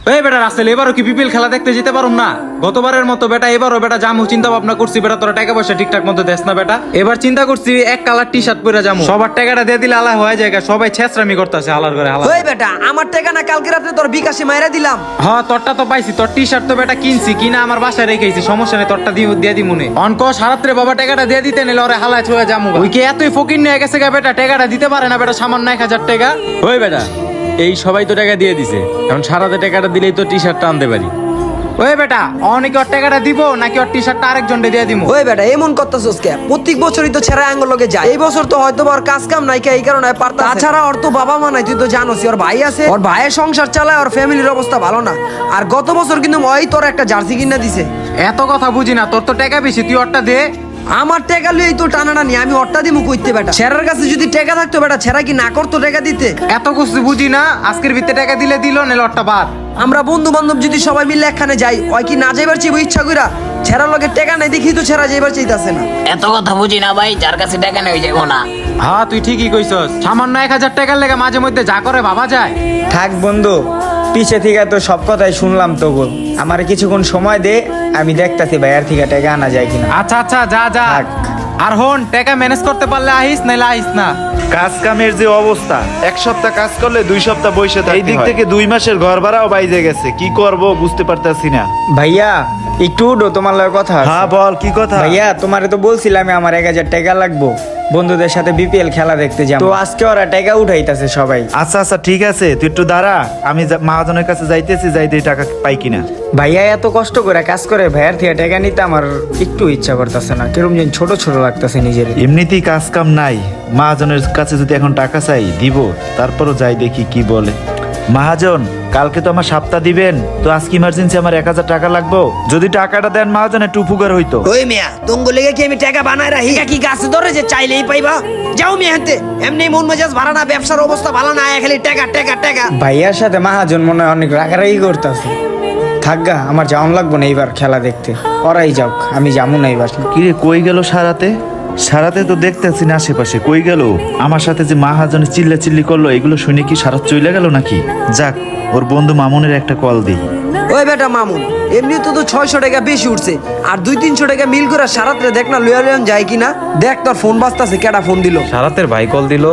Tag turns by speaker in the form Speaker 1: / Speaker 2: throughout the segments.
Speaker 1: এই বেটা রাসেল, এবারও কি বিপিএল খেলা দেখতে যেতে পারুম না? গতবারের মতো বেটা এবারও বেটা জামু চিন্তা ভাবনা করছি বেটা, তোরা টাকা পয়সা ঠিকঠাক মতো দেস না বেটা। এবার চিন্তা করছি এক কালার টি শার্ট পরে যাবো, সবার টাকাটা দিয়ে দিলে আলা হয়ে যায়, সবাই ছেঁচড়ামি করতেছে হালার করে হালা।
Speaker 2: ওই বেটা আমার টাকা না কালকে রাতে তোর বিকাশে মাইরা দিলাম।
Speaker 1: হ্যাঁ তোরটা তো পাইছি, তোর টি শার্ট তো বেটা কিনছি, কিনা আমার বাসায় রেখেছি, সমস্যা নেই, তোরটা দিয়ে দি মনে অনক সারাত্রে বাবা টাকাটা দিয়ে দিতে নিলে ওরে হালায় ছুঁয়ে যাবো। ওই কি এতই ফকির নিয়ে গেছে গা বেটা, টাকাটা দিতে পারে না বেটা, সামান্য 1000 টাকা।
Speaker 3: ওই বেটা এই সবাই তো টাকা দিয়ে দিছে, এখন সারাতে টাকাটা দিলেই তো টি শার্টটা আনতে পারি।
Speaker 1: ওই বেটা অনেকে ওর টাকাটা দিব নাকি ওর টি শার্টটা আরেকজনকে দিয়ে দিব?
Speaker 2: ওই বেটা এমন করতেছস কে? প্রত্যেক বছরই তো ছেড়া আঙ্গুল লগে যায়, এই বছর তো হয়তো ওর কাজ কাম নাই কে, এই কারণে পারতা। তাছাড়া ওর তো বাবা মা নাই, তুই তো জানোস, ওর ভাই আছে, ওর ভাইয়ের সংসার চালায়, ওর ফ্যামিলির অবস্থা ভালো না। আর গত বছর কিন্তু ওই তোর একটা জার্সি কিনা দিছে।
Speaker 1: এত কথা বুঝি না, তোর তো টাকা বেশি, তুই ওরটা দে।
Speaker 2: আমার টাকা লুই তো টানাটা নি, আমি ওরটা দিমু কইতে বেটা। ছেড়ার কাছে যদি টাকা থাকতো বেটা, ছেড়া কি না করতো টাকা দিতে?
Speaker 1: এত কিছু বুঝি না, আজকের ভিতরে টাকা দিলে দিল, নাহলে ওরটা বাদ।
Speaker 2: আমরা বন্ধু বান্ধব যদি সবাই মিলে একখানে যাই, ওই কি না যাইবার চাইবো ইচ্ছা কইরা? ছেড়ার লগে টাকা নাই দেখি তো ছেড়া যাইবার চাইতাছে না।
Speaker 4: এত কথা বুঝি না ভাই, যার কাছে টাকা নেই যাবো না।
Speaker 1: হ্যাঁ তুই ঠিকই কইছস, সামান্য 1000 টাকার লেগে মাঝে মধ্যে যা করে ভাবা যায়।
Speaker 5: থাক বন্ধু, পিছে থেকে তো সব কথাই শুনলাম, তবু আমার কিছুক্ষণ সময় দে, আমি দেখতাছি ভাইয়ার থেকে টাকা আনা যায় কিনা।
Speaker 1: আচ্ছা আচ্ছা যা যা,
Speaker 5: থাক।
Speaker 1: আর হন টাকা ম্যানেজ করতে পারলে আহিস, নাইলে আহিস না।
Speaker 6: কাজ কামের যে অবস্থা, এক সপ্তাহ কাজ করলে 2 সপ্তাহ বসে থাকে, এই দিক থেকে 2 মাসের ঘর ভাড়াও বাইজে গেছে, কি করব বুঝতে পারতাছি না।
Speaker 5: ভাইয়া একটু উঠো, তোমার লগে কথা আছে।
Speaker 6: হ্যাঁ বল কি কথা।
Speaker 5: ভাইয়া তোমারে তো বলছিলাম আমার 1000 টাকা লাগবো, বন্ধুদের সাথে বিপিএল খেলা দেখতে যাবো, তো আজকে ওরা টাকা উঠাইতাছে সবাই।
Speaker 6: আচ্ছা আচ্ছা ঠিক আছে, তুই একটু দাঁড়া, আমি মহাজনের কাছে যাইতেছি, যাইতে টাকা পাই কিনা।
Speaker 5: ভাইয়া এত কষ্ট করে কাজ করে ভাইয়ার থেকে টাকা নিতে আমার একটু ইচ্ছা করতেছে না, কিরকম যেন ছোট ছোট লাগতেছে নিজের।
Speaker 6: এমনিতেই কাজ কাম নাই, মহাজনের কাছে যদি এখন টাকা চাই দিব, তারপরও যাই দেখি কি বলে। মহাজন কালকে তো আমার সপ্তাহ দিবেন, তো আজকে ইমার্জেন্সি আমার 1000 টাকা লাগবো, যদি টাকাটা দেন মহাজন একটু উপকার হইতো।
Speaker 2: ওই মিয়া তুঙ্গ লেগে কি আমি টাকা বানায় রাখি? কি গাছে ধরে যে চাইলেই পাইবা? যাও মিয়া হাতে, এমনি মন মেজাজ ভালো না, ব্যবসার অবস্থা ভালো না, খালি টাকা টাকা টাকা।
Speaker 5: ভাইয়ার সাথে মহাজন মনে হয় অনেক রাগারাগি করতেছে। থাকগা, আমার যাওয়ান লাগবো না এইবার খেলা দেখতে, ওরাই যাওক, আমি যাবো না এইবার।
Speaker 6: কিরে কই গেল সারাতে? সারাতে তো দেখতেছি না আশেপাশে, কই গেল? আমার সাথে যে মহাজনে চিল্লি করলো, এগুলো শুনে কি সারা চলে গেল নাকি? যাক, ওর বন্ধু মামুনের একটা কল দিই।
Speaker 2: ওই বেটা মামুন, এমনি তো 600 টাকা বেশি উঠছে, আর 200-300 টাকা মিল করে সারাত্রে দেখ না লইয়া লইয়া যায় কিনা। দেখ তোর ফোন বাজতাছে, কেডা ফোন দিল?
Speaker 1: সারাতের ভাই কল দিল।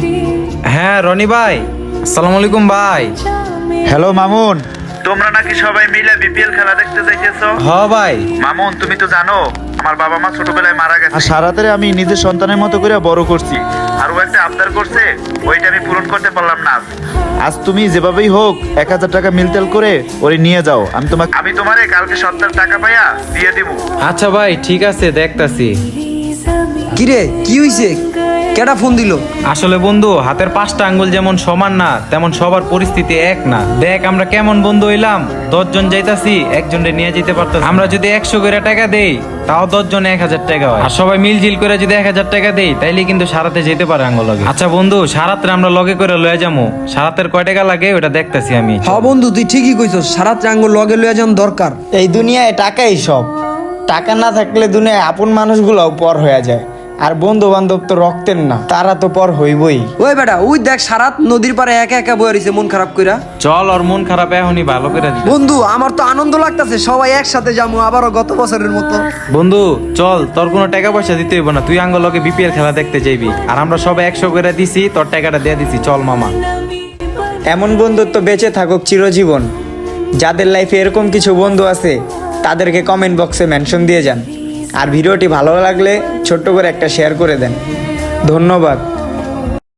Speaker 1: হ্যাঁ রনি ভাই, আসসালামু আলাইকুম ভাই।
Speaker 6: হ্যালো মামুন, তোমরা নাকি সবাই মিলে বিপিএল খেলা দেখতে যাইতেছো?
Speaker 1: হ ভাই।
Speaker 6: মামুন তুমি তো জানো আমার বাবা মা ছোটবেলায় মারা গেছে, আর সারাতে আমি নিজের সন্তানের মতো করে বড় করছি, আর ও একটা আবদার করছে, ওইটা আমি পূরণ করতে পারলাম না। আজ তুমি যেভাবেই হোক 1000 টাকা মিলতেল করে ওরে নিয়ে যাও, আমি তোমারে কালকে সপ্তাহ টাকা পাইয়া দিয়ে দিব।
Speaker 1: আচ্ছা ভাই ঠিক আছে, দেখতাছি।
Speaker 2: কিরে কি হইছে? কেডা ফোন দিল?
Speaker 1: আসলে বন্ধু, হাতের 5টা আঙ্গুল যেমন সমান না, তেমন সবার পরিস্থিতি এক না। দেখ আমরা কেমন বন্ধু হইলাম, 10 জন যাইতাছি, একজনরে নিয়ে যেতে পারতাম। আমরা যদি 100 করে টাকা দেই, তাও 10 জনে 1000 টাকা হয়, আর সবাই মিলজিল করে যদি 1000 টাকা দেই, তাইলে কিন্তু সারাতে যেতে পারে আঙ্গুল লগে। আচ্ছা বন্ধু, সারাতে আমরা লগে করে লয়ে যাবো, সারাতের কয় টাকা লাগে ওটা দেখতাছি আমি।
Speaker 2: হ্যাঁ বন্ধু তুই ঠিকই কইছস, সারাত্রে আঙ্গুল লগে লইয়া যান দরকার।
Speaker 5: এই দুনিয়ায় টাকাই সব, টাকা না থাকলে দুনিয়ায় আপন মানুষগুলোও পর হয়ে যায়, আর বন্ধু বান্ধব তো রক্তের না, তারা তো পর হইবই।
Speaker 2: ওই বেটা ওই দেখ সারাত নদীর পারে একা একা বয়ে রইছে মন খারাপ কইরা।
Speaker 1: চল, ওর মন খারাপ এখনই ভালো করে দিই।
Speaker 2: বন্ধু আমার তো আনন্দ লাগতাছে, সবাই একসাথে যাবো আবারও গত বছরের মতো।
Speaker 1: বন্ধু চল, তোর কোনো টাকা পয়সা দিতে হইব না, তুই আঙ্গুল লগে বিপিএল খেলা দেখতে যাইবি, আর আমরা সবাই 100 করে দিছি, তোর টাকাটা দিয়ে দিছি। চল মামা।
Speaker 5: এমন বন্ধুত্ব বেঁচে থাকুক চিরজীবন। যাদের লাইফে এরকম কিছু বন্ধু আছে তাদেরকে কমেন্ট বক্সে মেনশন দিয়ে যান, আর ভিডিওটি ভালো লাগলে ছোট্ট করে একটা শেয়ার করে দেন। ধন্যবাদ।